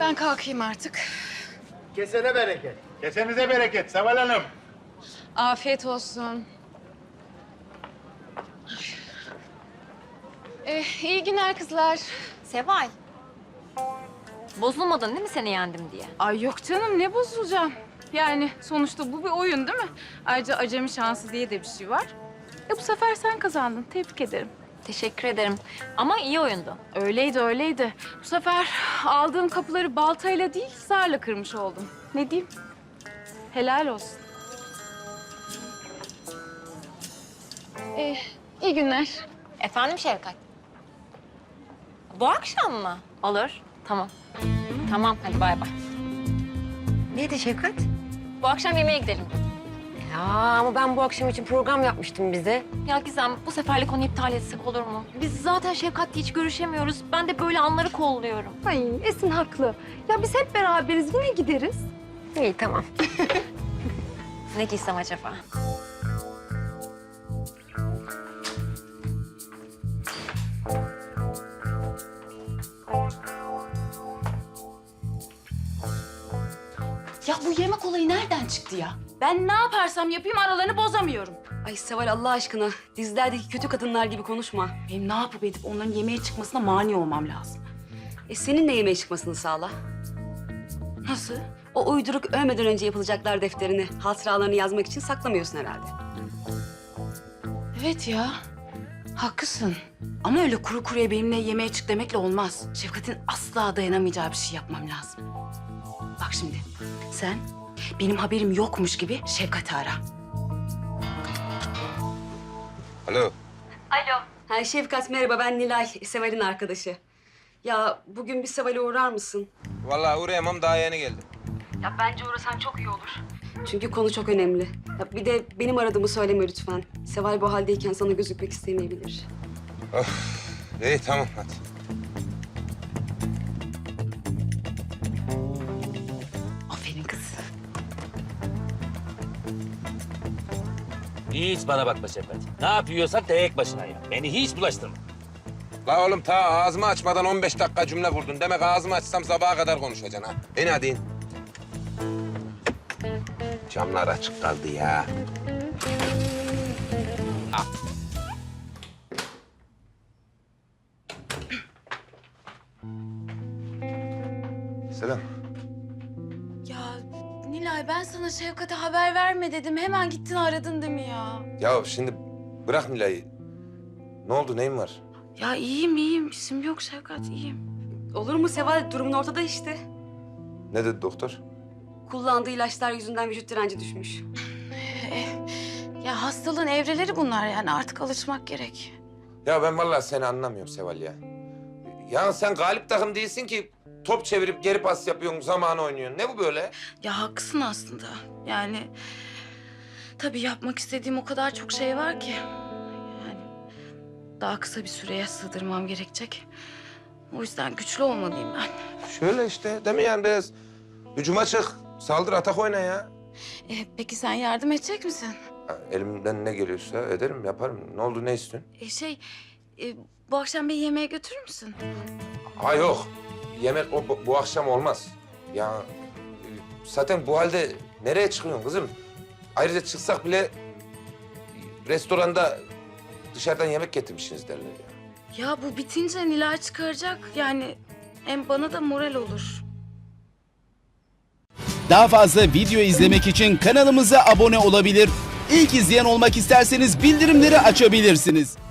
Ben kalkayım artık. Kesene bereket. Kesenize bereket Seval Hanım. Afiyet olsun. İyi günler kızlar. Seval. Bozulmadın değil mi seni yendim diye? Ay yok canım, ne bozulacağım? Yani sonuçta bu bir oyun değil mi? Ayrıca acemi şansı diye de bir şey var. Bu sefer sen kazandın. Tebrik ederim. Teşekkür ederim. Ama iyi oyundu. Öyleydi, öyleydi. Bu sefer aldığım kapıları baltayla değil, zarla kırmış oldum. Ne diyeyim? Helal olsun. İyi günler. Efendim Şevkat? Bu akşam mı? Olur. Tamam. Tamam hadi bay bay. Neydi Şefkat? Bu akşam yemeğe gidelim. Ya ama ben bu akşam için program yapmıştım bize. Ya Gizem bu seferlik onu iptal etsek olur mu? Biz zaten Şevkat'la hiç görüşemiyoruz. Ben de böyle anları kolluyorum. Ay Esin haklı. Ya biz hep beraberiz, yine gideriz. İyi tamam. Ne giysem acaba? Ya bu yemek olayı nereden çıktı ya? Ben ne yaparsam yapayım aralarını bozamıyorum. Ay Seval Allah aşkına dizilerdeki kötü kadınlar gibi konuşma. Benim ne yapıp edip onların yemeğe çıkmasına mani olmam lazım. Senin de yemeğe çıkmasını sağla. Nasıl? O uyduruk ölmeden önce yapılacaklar defterini, hatıralarını yazmak için saklamıyorsun herhalde. Evet ya. Haklısın. Ama öyle kuru kuruya benimle yemeğe çık demekle olmaz. Şefkat'in asla dayanamayacağı bir şey yapmam lazım. Bak şimdi sen benim haberim yokmuş gibi Şefkat'i ara. Alo. Ha Şefkat merhaba, ben Nilay, Seval'in arkadaşı. Ya bugün bir Seval'e uğrar mısın? Vallahi uğrayamam, daha yeni geldim. Ya bence uğrasan çok iyi olur. Çünkü konu çok önemli. Ya bir de benim aradığımı söyleme lütfen. Seval bu haldeyken sana gözükmek istemeyebilir. İyi tamam hadi. Aferin kız. Hiç bana bakma Şefkat. Ne yapıyorsan tek başına ya. Beni hiç bulaştırma. La oğlum ta ağzımı açmadan 15 dakika cümle kurdun. Demek ağzımı açsam sabaha kadar konuşacaksın ha. İn hadi in. Camlar açık kaldı ya. Selam. Ya Nilay ben sana Şefkat'e haber verme dedim. Hemen gittin aradın değil mi ya? Ya şimdi bırak Nilay'ı. Ne oldu, neyin var? Ya iyiyim. İsim yok Şefkat, iyiyim. Olur mu Seval? Durumun ortada işte. Ne dedi doktor? Kullandığı ilaçlar yüzünden vücut direnci düşmüş. Ya hastalığın evreleri bunlar yani artık alışmak gerek. Ya ben vallahi seni anlamıyorum Seval ya. Ya sen galip takım değilsin ki top çevirip geri pas yapıyorsun, zamanı oynuyorsun. Ne bu böyle? Ya haklısın aslında. Yani tabii yapmak istediğim o kadar çok şey var ki. Yani daha kısa bir süreye sığdırmam gerekecek. O yüzden güçlü olmalıyım ben. Şöyle işte değil mi yani biraz hücuma çık, saldır atak oyna ya. Peki sen yardım edecek misin? Ha, elimden ne geliyorsa ederim, yaparım. Ne oldu, ne istiyorsun? Bu akşam beni yemeğe götürür müsün? Ha yok, yemek bu akşam olmaz. Ya zaten bu halde nereye çıkıyorsun kızım? Ayrıca çıksak bile restoranda dışarıdan yemek getirmişsiniz derler ya. Ya bu bitince Nilay çıkaracak. Yani hem bana da moral olur. Daha fazla video izlemek için kanalımıza abone olabilir. İlk izleyen olmak isterseniz bildirimleri açabilirsiniz.